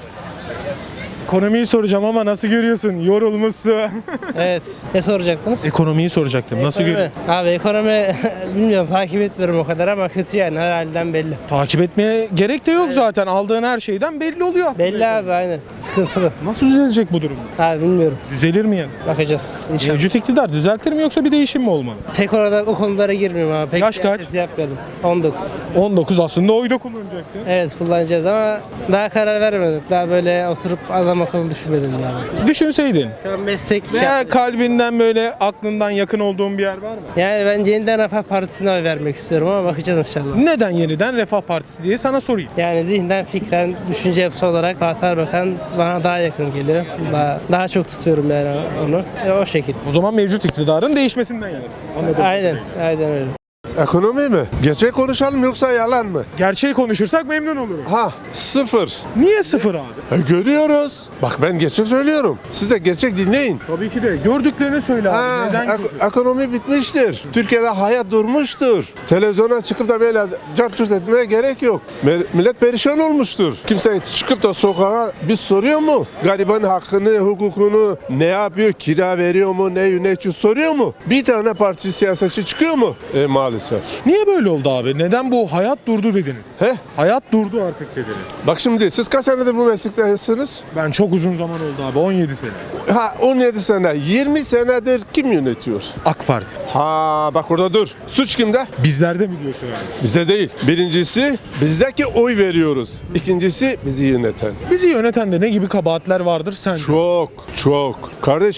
Speaker 1: Ekonomiyi soracağım ama nasıl görüyorsun? Yorulmuşsun.
Speaker 8: Evet. Ne soracaktınız?
Speaker 1: Ekonomiyi soracaktım. Nasıl
Speaker 8: Ekonomi.
Speaker 1: görüyorsun?
Speaker 8: Abi ekonomi bilmiyorum takip etmiyorum o kadar ama kötü yani her halden belli.
Speaker 1: Takip etmeye gerek de yok zaten. Aldığın her şeyden belli oluyor aslında.
Speaker 8: Belli abi aynen. Sıkıntılı.
Speaker 1: Nasıl düzelecek bu durum?
Speaker 8: Abi bilmiyorum.
Speaker 1: Düzelir mi yani?
Speaker 8: Bakacağız inşallah.
Speaker 1: Mevcut iktidar düzeltir mi yoksa bir değişim mi olmalı?
Speaker 8: Tek orada o konulara girmiyorum abi. Pek
Speaker 1: Yaş kaç?
Speaker 8: siyaset yapmayalım. on dokuz.
Speaker 1: on dokuz aslında oy da kullanacaksın.
Speaker 8: Evet kullanacağız ama daha karar vermedik. Daha böyle oturup adam akıllı düşünmedim yani.
Speaker 1: Düşünseydin.
Speaker 8: Şu an meslek bir şey
Speaker 1: Veya
Speaker 8: yapmıyorum.
Speaker 1: kalbinden böyle aklından yakın olduğun bir yer var mı?
Speaker 8: Yani ben yeniden Refah Partisi'ne oy vermek istiyorum ama bakacağız inşallah.
Speaker 1: Neden yeniden Refah Partisi diye sana sorayım.
Speaker 8: Yani zihnen, fikren, düşünce yapısı olarak Fatih Erbakan bana daha yakın geliyor. Daha, daha çok tutuyorum yani onu. E, o şekilde.
Speaker 1: O zaman mevcut iktidarın değişmesinden yanasın. Anladım.
Speaker 8: Aynen, aynen öyle.
Speaker 9: Ekonomi mi? Gerçek konuşalım yoksa yalan mı?
Speaker 1: Gerçeği konuşursak memnun olurum.
Speaker 9: Ha, sıfır.
Speaker 1: Niye sıfır abi?
Speaker 9: E, görüyoruz. Bak ben gerçek söylüyorum. Siz de gerçek dinleyin.
Speaker 1: Tabii ki de. Gördüklerini söyle abi.
Speaker 9: Ha,
Speaker 1: Neden
Speaker 9: ek-
Speaker 1: kötü?
Speaker 9: ekonomi bitmiştir. Türkiye'de hayat durmuştur. Televizyona çıkıp da böyle cart curt etmeye gerek yok. Me- millet perişan olmuştur. Kimse çıkıp da sokağa biz soruyor mu? Gariban hakkını, hukukunu ne yapıyor? Kira veriyor mu? Ne yönetiyor soruyor mu? Bir tane parti siyasetçi çıkıyor mu? E, maalesef.
Speaker 1: Niye böyle oldu abi? Neden bu hayat durdu dediniz?
Speaker 9: He?
Speaker 1: Hayat durdu artık dediniz.
Speaker 9: Bak şimdi siz kaç senedir bu meslektesiniz?
Speaker 1: Ben çok uzun zaman oldu abi. on yedi sene.
Speaker 9: Ha on yedi sene, yirmi senedir kim yönetiyor?
Speaker 1: AK Parti.
Speaker 9: Ha bak orada dur. Suç kimde?
Speaker 1: Bizlerde mi diyorsun abi?
Speaker 9: Bizde değil. Birincisi bizdeki oy veriyoruz. İkincisi bizi yöneten.
Speaker 1: Bizi yöneten de ne gibi kabahatler vardır sence?
Speaker 9: Çok çok. Kardeşim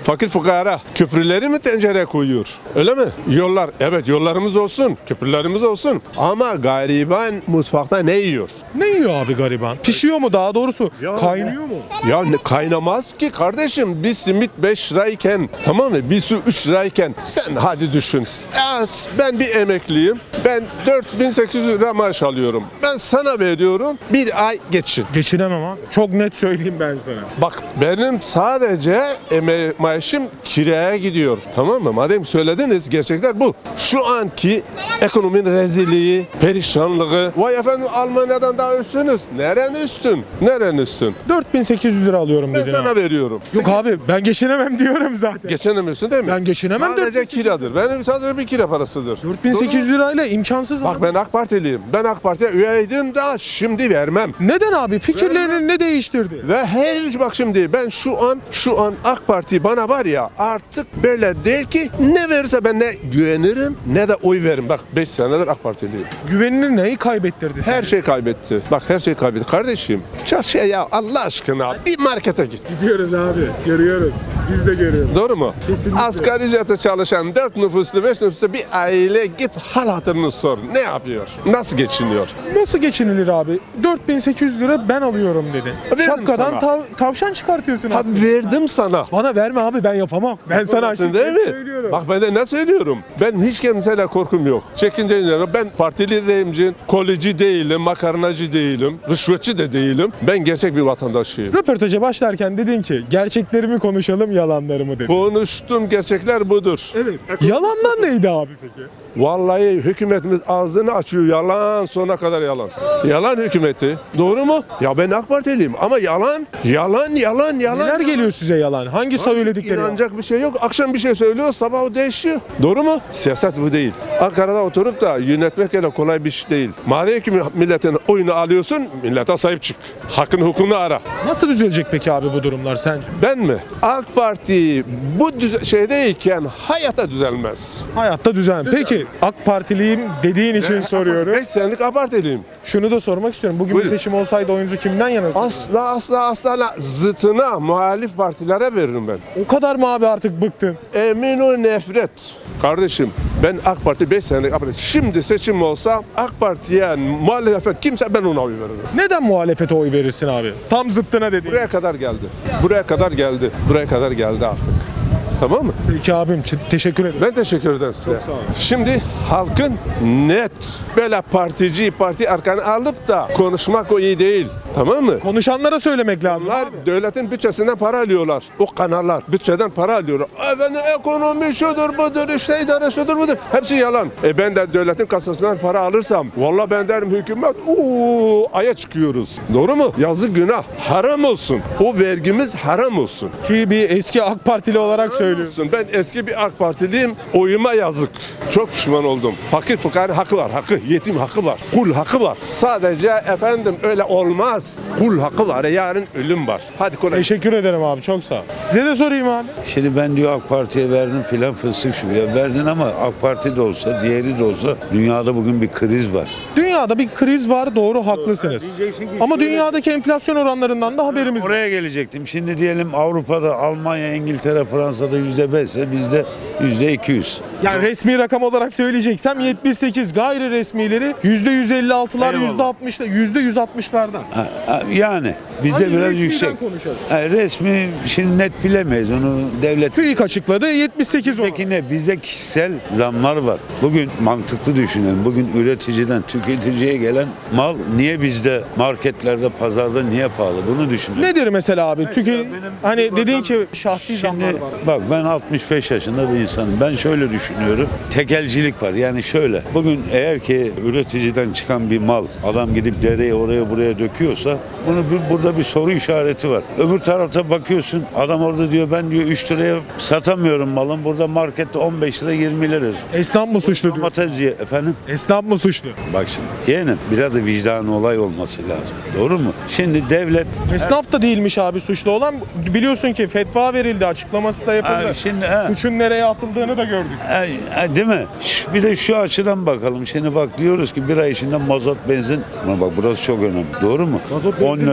Speaker 9: Fakir fukara köprüleri mi tencereye koyuyor? Öyle mi? Yollar, evet yollarımız olsun, köprülerimiz olsun. Ama gariban mutfakta ne yiyor?
Speaker 1: Ne yiyor abi gariban? Pişiyor mu daha doğrusu?
Speaker 9: Ya
Speaker 1: Kaynıyor mu?
Speaker 9: Ya ne- kaynamaz ki kardeşim. Bir simit beş lirayken, tamam mı? Bir su üç lirayken sen hadi düşün. Ya ben bir emekliyim. Ben dört bin sekiz yüz lira maaş alıyorum. Ben sana veriyorum. Bir ay geçin.
Speaker 1: Geçinemem abi. Çok net söyleyeyim ben sana.
Speaker 9: Bak benim sadece eme maaşım kiraya gidiyor. Tamam mı? Madem söylediniz gerçekler bu. Şu anki ekonominin rezilliği, perişanlığı. Vay efendim Almanya'dan daha üstünüz. Neren üstün? Neren üstün?
Speaker 1: dört bin sekiz yüz lira alıyorum
Speaker 9: Ben
Speaker 1: dedin
Speaker 9: sana
Speaker 1: abi.
Speaker 9: veriyorum.
Speaker 1: Yok abi ben geçinemem diyorum zaten.
Speaker 9: Geçinemiyorsun değil mi?
Speaker 1: Ben geçinemem, dört bin
Speaker 9: Sadece
Speaker 1: sekiz yüz
Speaker 9: kiradır. Benim sadece bir kira parasıdır.
Speaker 1: dört bin sekiz yüz lirayla imkansız
Speaker 9: Bak
Speaker 1: abi.
Speaker 9: ben AK Partiliyim. Ben AK Parti'ye üyeydim da şimdi vermem.
Speaker 1: Neden abi? Fikirlerini ne değiştirdi?
Speaker 9: Ve her bak şimdi ben şu an şu an AK Parti bana var ya artık böyle değil ki ne verirse ben ne güvenirim ne de oy veririm. Bak beş senedir AK Partiliyim.
Speaker 1: Güvenini neyi kaybettirdi
Speaker 9: Her
Speaker 1: sence?
Speaker 9: şey kaybetti. Bak her şey kaybetti. Kardeşim çarşıya ya Allah aşkına bir markete git.
Speaker 1: Gidiyoruz abi. Görüyoruz. Biz de görüyoruz.
Speaker 9: Doğru mu?
Speaker 1: Kesinlikle.
Speaker 9: Asgari ücrete çalışan dört nüfuslu beş nüfuslu bir aile git hal hatırını sor. Ne yapıyor? Nasıl geçiniyor?
Speaker 1: Nasıl geçinilir abi? dört bin sekiz yüz lira ben alıyorum dedi.
Speaker 9: Verdim
Speaker 1: Şapkadan
Speaker 9: sana.
Speaker 1: tav- tavşan çıkartıyorsun
Speaker 9: Ha
Speaker 1: aslında.
Speaker 9: verdim sana.
Speaker 1: Bana verme abi ben yapamam. Ben sana
Speaker 9: Yapamazsın
Speaker 1: açık
Speaker 9: değil
Speaker 1: net
Speaker 9: mi?
Speaker 1: söylüyorum.
Speaker 9: Bak ben de ne söylüyorum? Ben hiç kimseyle korkum yok. Çekince yok. Ben partili değilim, kolici değilim, makarnacı değilim, rüşvetçi de değilim. Ben gerçek bir vatandaşıyım.
Speaker 1: Röportaja başlarken dedin ki gerçeklerimi konuşalım yalanlarımı dedin.
Speaker 9: Konuştum gerçekler budur.
Speaker 1: Evet. Yalanlar neydi abi peki?
Speaker 9: Vallahi hükümetimiz ağzını açıyor yalan sonuna kadar yalan. Yalan hükümeti. Doğru mu? Ya ben AK Partiliyim ama yalan, yalan, yalan, yalan.
Speaker 1: Neler geliyor size yalan? Hangi söyledikleri yalan?
Speaker 9: İnanacak bir şey yok. Akşam bir şey söylüyor, sabah o değişiyor. Doğru mu? Siyaset bu değil. Ankara'da oturup da yönetmek öyle kolay bir şey değil. Madem ki milletin oyunu alıyorsun, millete sahip çık. Hakkını hukukunu ara.
Speaker 1: Nasıl düzelecek peki abi bu durumlar sence?
Speaker 9: Ben mi? AK Parti bu düze- şeydeyken hayata düzelmez.
Speaker 1: Hayatta düzen. Peki AK Partiliyim dediğin için soruyorum.
Speaker 9: beş senelik AK Partiliyim.
Speaker 1: Şunu da sormak istiyorum. Bugün
Speaker 9: Buyurun.
Speaker 1: bir seçim olsaydı oyunuzu kimden yana?
Speaker 9: Asla asla asla zıtına muhalif partilere veririm ben.
Speaker 1: O kadar mı abi artık bıktın?
Speaker 9: Emin ol nefret. Kardeşim ben AK Parti beş senelik AK Parti. Şimdi seçim olsa AK Parti'ye muhalefet kimse ben ona oy veririm.
Speaker 1: Neden muhalefete oy verirsin abi? Tam zıttına dediğin.
Speaker 9: Buraya kadar geldi. Buraya kadar geldi. Buraya kadar geldi artık. Tamam mı?
Speaker 1: Peki abim ç- teşekkür ederim.
Speaker 9: Ben teşekkür ederim size.
Speaker 1: sağ olun.
Speaker 9: Şimdi halkın net böyle partici parti arkanı alıp da konuşmak o iyi değil. Tamam mı?
Speaker 1: Konuşanlara söylemek lazım
Speaker 9: Bunlar
Speaker 1: abi.
Speaker 9: devletin bütçesinden para alıyorlar. O kanallar bütçeden para alıyorlar. Efendim ekonomi şudur budur işte idare şudur budur. Hepsi yalan. E ben de devletin kasasından para alırsam valla ben derim hükümet uuu aya çıkıyoruz. Doğru mu? Yazık günah. Haram olsun. O vergimiz haram olsun.
Speaker 1: Ki bir eski AK Partili olarak söylüyorsun.
Speaker 9: Olsun. Ben eski bir AK Partiliyim. Oyuma yazık. Çok pişman oldum. Fakir fukara hakkı var. Hakkı. Yetim hakkı var. Kul hakkı var. Sadece efendim öyle olmaz. Kul hakkı var. Yarın ölüm var. Hadi kolay.
Speaker 1: Teşekkür ederim abi çok sağ ol. Size de sorayım abi.
Speaker 10: Şimdi ben diyor AK Parti'ye verdim filan fıstık şu ya verdin ama AK Parti de olsa diğeri de olsa dünyada bugün bir kriz var.
Speaker 1: Dünyada bir kriz var doğru haklısınız. Ama dünyadaki enflasyon oranlarından da haberimiz var.
Speaker 10: Oraya gelecektim. Şimdi diyelim Avrupa'da Almanya, İngiltere, Fransa'da yüzde beşse bizde yüzde iki yüz.
Speaker 1: Yani resmi rakam olarak söyleyeceksem yetmiş sekiz, gayri resmileri yüzde yüz elli altılar,
Speaker 10: Eyvallah.
Speaker 1: yüzde altmışlar, yüzde yüz altmışlardan.
Speaker 10: Ha, ha, Yani bizde
Speaker 1: Hadi
Speaker 10: biraz
Speaker 1: resmiden
Speaker 10: yüksek.
Speaker 1: konuşalım.
Speaker 10: Ha, resmi şimdi net bilemeyiz onu devlet.
Speaker 1: TÜİK açıkladı yetmiş sekiz oran.
Speaker 10: Peki ne? Bizde kişisel zamlar var. Bugün mantıklı düşünelim. Bugün üreticiden tüketiciye gelen mal niye bizde marketlerde, pazarda niye pahalı? Bunu düşünün.
Speaker 1: Nedir mesela abi? Tüke,
Speaker 10: benim
Speaker 1: hani
Speaker 10: bir
Speaker 1: dediğin
Speaker 10: bakan-
Speaker 1: ki şahsi zamlar
Speaker 10: Şimdi
Speaker 1: var.
Speaker 10: bak ben altmış beş yaşında bir insanım. Ben şöyle düşünüyorum. Tekelcilik var. Yani şöyle. Bugün eğer ki üreticiden çıkan bir mal adam gidip dereye oraya buraya döküyorsa bunu bir, burada bir soru işareti var. Öbür tarafta bakıyorsun adam orada diyor ben diyor üç liraya satamıyorum malım. Burada markette on beş lira yirmi lira.
Speaker 1: Esnaf mı suçlu diyor?
Speaker 10: Domates ye- efendim.
Speaker 1: Esnaf mı suçlu?
Speaker 10: Bak şimdi yeğenim biraz da vicdanı olay olması lazım. Doğru mu? Şimdi devlet
Speaker 1: Esnaf da değilmiş abi suçlu olan. Biliyorsun ki fetva verildi, açıklaması da yapıldı.
Speaker 10: Abi şimdi, ha.
Speaker 1: Suçun nereye atıldığını da gördük.
Speaker 10: E, e, değil mi? Ş- Bir de şu açıdan bakalım. Şimdi bak diyoruz ki bir ay içinde mazot benzin. Ama bak burası çok önemli. Doğru mu?
Speaker 1: Mazot benzin
Speaker 10: on lira
Speaker 1: nedir
Speaker 10: sekiz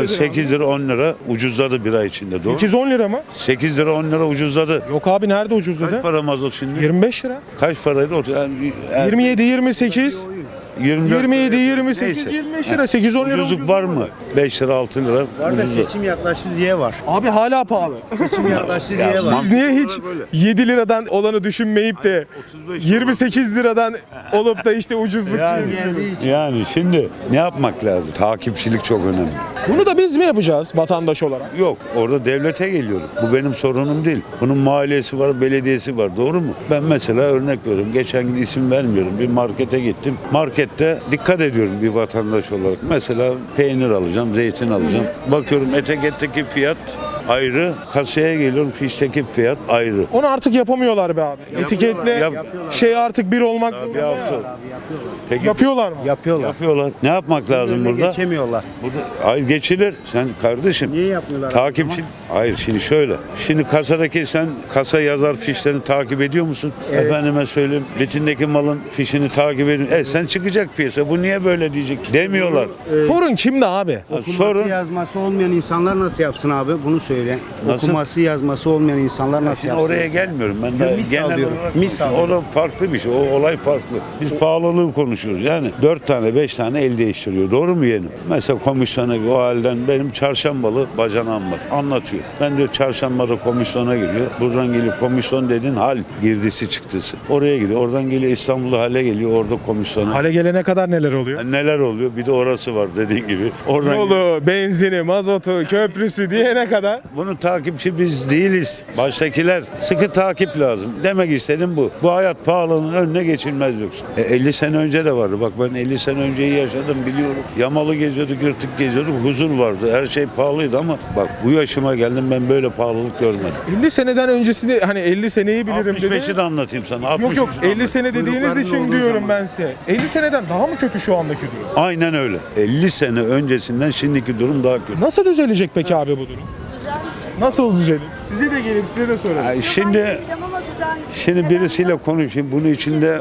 Speaker 10: sekiz lira on lira ucuzladı bir ay içinde. Doğru.
Speaker 1: sekiz on lira mı?
Speaker 10: sekiz lira on lira ucuzladı.
Speaker 1: Yok abi nerede ucuzladı?
Speaker 10: Kaç para mazot şimdi?
Speaker 1: yirmi beş lira.
Speaker 10: Kaç paraydı? O- Yani, yani
Speaker 1: yirmi yedi yirmi sekiz.
Speaker 10: yirmi dört
Speaker 1: yirmi yedi
Speaker 10: lira.
Speaker 1: yirmi sekiz
Speaker 10: Neyse.
Speaker 1: yirmi beş lira. sekiz on lira
Speaker 10: Ucuzluk
Speaker 1: ucuz
Speaker 10: var
Speaker 1: olmadı.
Speaker 10: mı? beş lira altı lira ucuzluk.
Speaker 4: Seçim yaklaştı diye var.
Speaker 1: Abi hala pahalı.
Speaker 4: Seçim yaklaştı diye var.
Speaker 1: Biz niye hiç yedi liradan olanı düşünmeyip de yirmi sekiz liradan olup da işte ucuzluk
Speaker 10: Yani,
Speaker 1: diyoruz?
Speaker 10: yani şimdi ne yapmak lazım? Takipçilik çok önemli.
Speaker 1: Bunu da biz mi yapacağız vatandaş olarak?
Speaker 10: Yok, orada devlete geliyorum. Bu benim sorunum değil. Bunun maliyesi var, belediyesi var. Doğru mu? Ben mesela örnek veriyorum. Geçen gün isim vermiyorum. Bir markete gittim. Markette dikkat ediyorum bir vatandaş olarak. Mesela peynir alacağım, zeytin alacağım. Bakıyorum etiketteki fiyat ayrı. Kasaya geliyorum, fişteki fiyat ayrı.
Speaker 1: Onu artık yapamıyorlar be abi. Etiketle
Speaker 10: Yap-
Speaker 1: şey artık bir olmak
Speaker 10: Bir
Speaker 1: zorunda.
Speaker 10: hafta. Peki,
Speaker 1: Yapıyorlar mı?
Speaker 4: Yapıyorlar.
Speaker 10: yapıyorlar. Ne yapmak lazım
Speaker 4: Önüne
Speaker 10: burada?
Speaker 4: geçemiyorlar.
Speaker 10: Burada hayır geçilir. Sen kardeşim.
Speaker 4: Niye yapmıyorlar?
Speaker 10: Takipçi. Hayır şimdi şöyle. Şimdi kasadaki sen kasa yazar fişlerini takip ediyor musun? Efendime söyleyeyim. Vitrindeki malın fişini takip ediyorsun. E sen çıkacak piyasa. Bu niye böyle diyecek? Demiyorlar.
Speaker 1: Sorun kimde abi?
Speaker 10: Ha,
Speaker 4: Okuması
Speaker 10: Sorun.
Speaker 4: yazması olmayan insanlar nasıl yapsın abi? Bunu söyle.
Speaker 10: Nasıl?
Speaker 4: Okuması yazması olmayan insanlar nasıl
Speaker 10: Şimdi
Speaker 4: yapsın?
Speaker 10: oraya gelmiyorum ben de
Speaker 4: misal
Speaker 10: genel
Speaker 4: diyorum.
Speaker 10: olarak
Speaker 4: Misal.
Speaker 10: o da farklı bir şey. O olay farklı. Biz pahalılığı konuşuyoruz. Yani dört tane beş tane el değiştiriyor. Doğru mu yeğenim? Mesela komisyona o halden benim çarşambalı bacanağım var. Anlatıyor. Ben diyor çarşambada komisyona giriyor. Buradan geliyor komisyon dedin hal girdisi çıktısı. Oraya gidiyor. Oradan geliyor İstanbul'da hale geliyor. Orada komisyona.
Speaker 1: Hale gelene kadar neler oluyor?
Speaker 10: Yani neler oluyor? Bir de orası var dediğin gibi. Oradan
Speaker 1: Yolu, benzini, mazotu, köprüsü diyene kadar.
Speaker 10: Bunun takipçi biz değiliz. Baştakiler sıkı takip lazım. Demek istedim bu. Bu hayat pahalılığının önüne geçilmez yoksa. E, elli sene önce de vardı. Bak ben elli sene önceyi yaşadım biliyorum. Yamalı geziyorduk, yırtık geziyorduk. Huzur vardı. Her şey pahalıydı ama bak bu yaşıma geldim ben böyle pahalılık görmedim.
Speaker 1: elli seneden öncesi de hani elli seneyi bilirim
Speaker 10: altmış beşi
Speaker 1: dedi.
Speaker 10: de anlatayım sana.
Speaker 1: Yok yok
Speaker 10: altmış üçü de
Speaker 1: elli sene
Speaker 10: anlatayım.
Speaker 1: dediğiniz
Speaker 10: Kuyrukların
Speaker 1: için
Speaker 10: olduğu
Speaker 1: diyorum
Speaker 10: zaman.
Speaker 1: ben size. elli seneden daha mı kötü şu andaki durum?
Speaker 10: Aynen öyle. elli sene öncesinden şimdiki durum daha kötü.
Speaker 1: Nasıl düzelecek peki abi bu durum? Nasıl düzelir? Size de gelip size de sorarım.
Speaker 10: Ay, Şimdi şimdi birisiyle konuşayım. Bunun içinde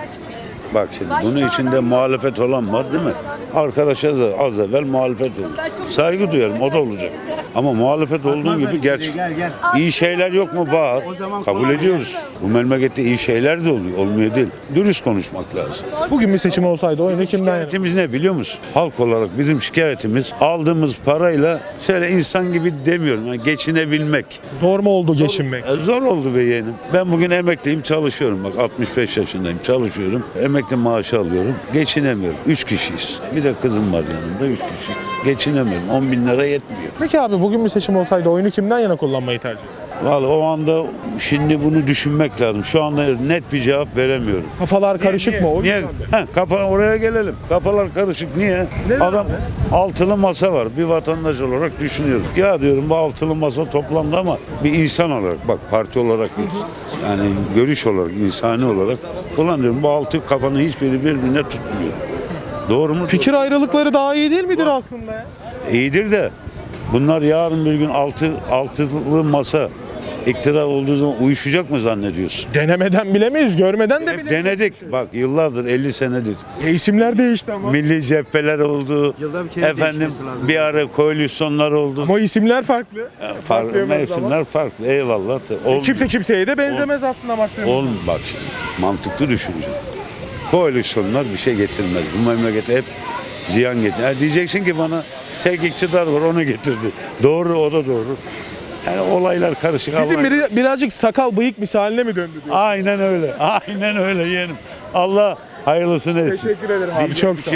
Speaker 10: bak şimdi bunun içinde muhalefet olan var değil mi? Arkadaşa da az evvel muhalefet oldu. Saygı duyarım o da olacak. Ama muhalefet olduğu gibi gerçek.
Speaker 4: Gel gel.
Speaker 10: İyi şeyler yok mu? Var. Kabul ediyoruz. Bu memlekette iyi şeyler de oluyor. Olmuyor değil. Dürüst konuşmak lazım.
Speaker 1: Bugün bir seçim olsaydı oyunu kimden yana?
Speaker 10: Şikayetimiz ne biliyor musun? Halk olarak bizim şikayetimiz aldığımız parayla şöyle insan gibi demiyorum. Yani geçinebilmek.
Speaker 1: Zor mu oldu geçinmek?
Speaker 10: E, Zor oldu be yeğenim. Ben bugün emekliyim çalışıyorum. Bak altmış beş yaşındayım çalışıyorum. Emekli maaşı alıyorum. Geçinemiyorum. Üç kişiyiz. Bir de kızım var yanımda. Üç kişi. Geçinemiyorum. on bin lira yetmiyor.
Speaker 1: Peki abi bugün bir seçim olsaydı oyunu kimden yana kullanmayı tercih eder?
Speaker 10: Vallahi o anda şimdi bunu düşünmek lazım. Şu anda net bir cevap veremiyorum.
Speaker 1: Kafalar karışık
Speaker 10: Niye?
Speaker 1: mı? O
Speaker 10: Niye?
Speaker 1: yüzden mi?
Speaker 10: Heh, kafa oraya gelelim. Kafalar karışık. Niye?
Speaker 1: Neden
Speaker 10: Adam
Speaker 1: abi?
Speaker 10: altılı masa var. Bir vatandaş olarak düşünüyorum. Ya diyorum bu altılı masa toplandı ama bir insan olarak bak parti olarak değil. Yani görüş olarak, insani olarak ulan diyorum bu altı kafanın hiçbiri birbirine tutmuyor. Doğru mu?
Speaker 1: Fikir ayrılıkları daha iyi değil midir aslında ya?
Speaker 10: İyidir de bunlar yarın bir gün altı altılı masa iktidar olduğu zaman uyuşacak mı zannediyorsun?
Speaker 1: Denemeden bilemeyiz, görmeden de
Speaker 10: Hep
Speaker 1: bilemeyiz.
Speaker 10: denedik. Bak yıllardır elli senedir.
Speaker 1: E, isimler değişti ama.
Speaker 10: Milli cepheler oldu.
Speaker 4: Yılda bir kere
Speaker 10: Efendim
Speaker 4: değişmesi lazım.
Speaker 10: bir ara koalisyonlar oldu.
Speaker 1: Ama isimler farklı.
Speaker 10: Farklı
Speaker 1: farklı
Speaker 10: mevsimler farklı. Eyvallah. Olmuyor.
Speaker 1: Kimse kimseye de benzemez aslında baktığımızda.
Speaker 10: Oğlum bak şimdi mantıklı düşünce. Koalisyonlar bir şey getirmez. Bu memlekete hep ziyan getir. Ha, diyeceksin ki bana tek iktidar var onu getirdi. Doğru o da doğru. Yani olaylar karışık.
Speaker 1: Bizim
Speaker 10: Allah-
Speaker 1: biri, birazcık sakal bıyık misaline mi döndü diyor.
Speaker 10: Aynen öyle. Aynen öyle yeğenim. Allah hayırlısını etsin.
Speaker 1: Teşekkür ederim abi.
Speaker 10: Diyecek
Speaker 1: Çok
Speaker 10: bir
Speaker 1: sağ
Speaker 10: şey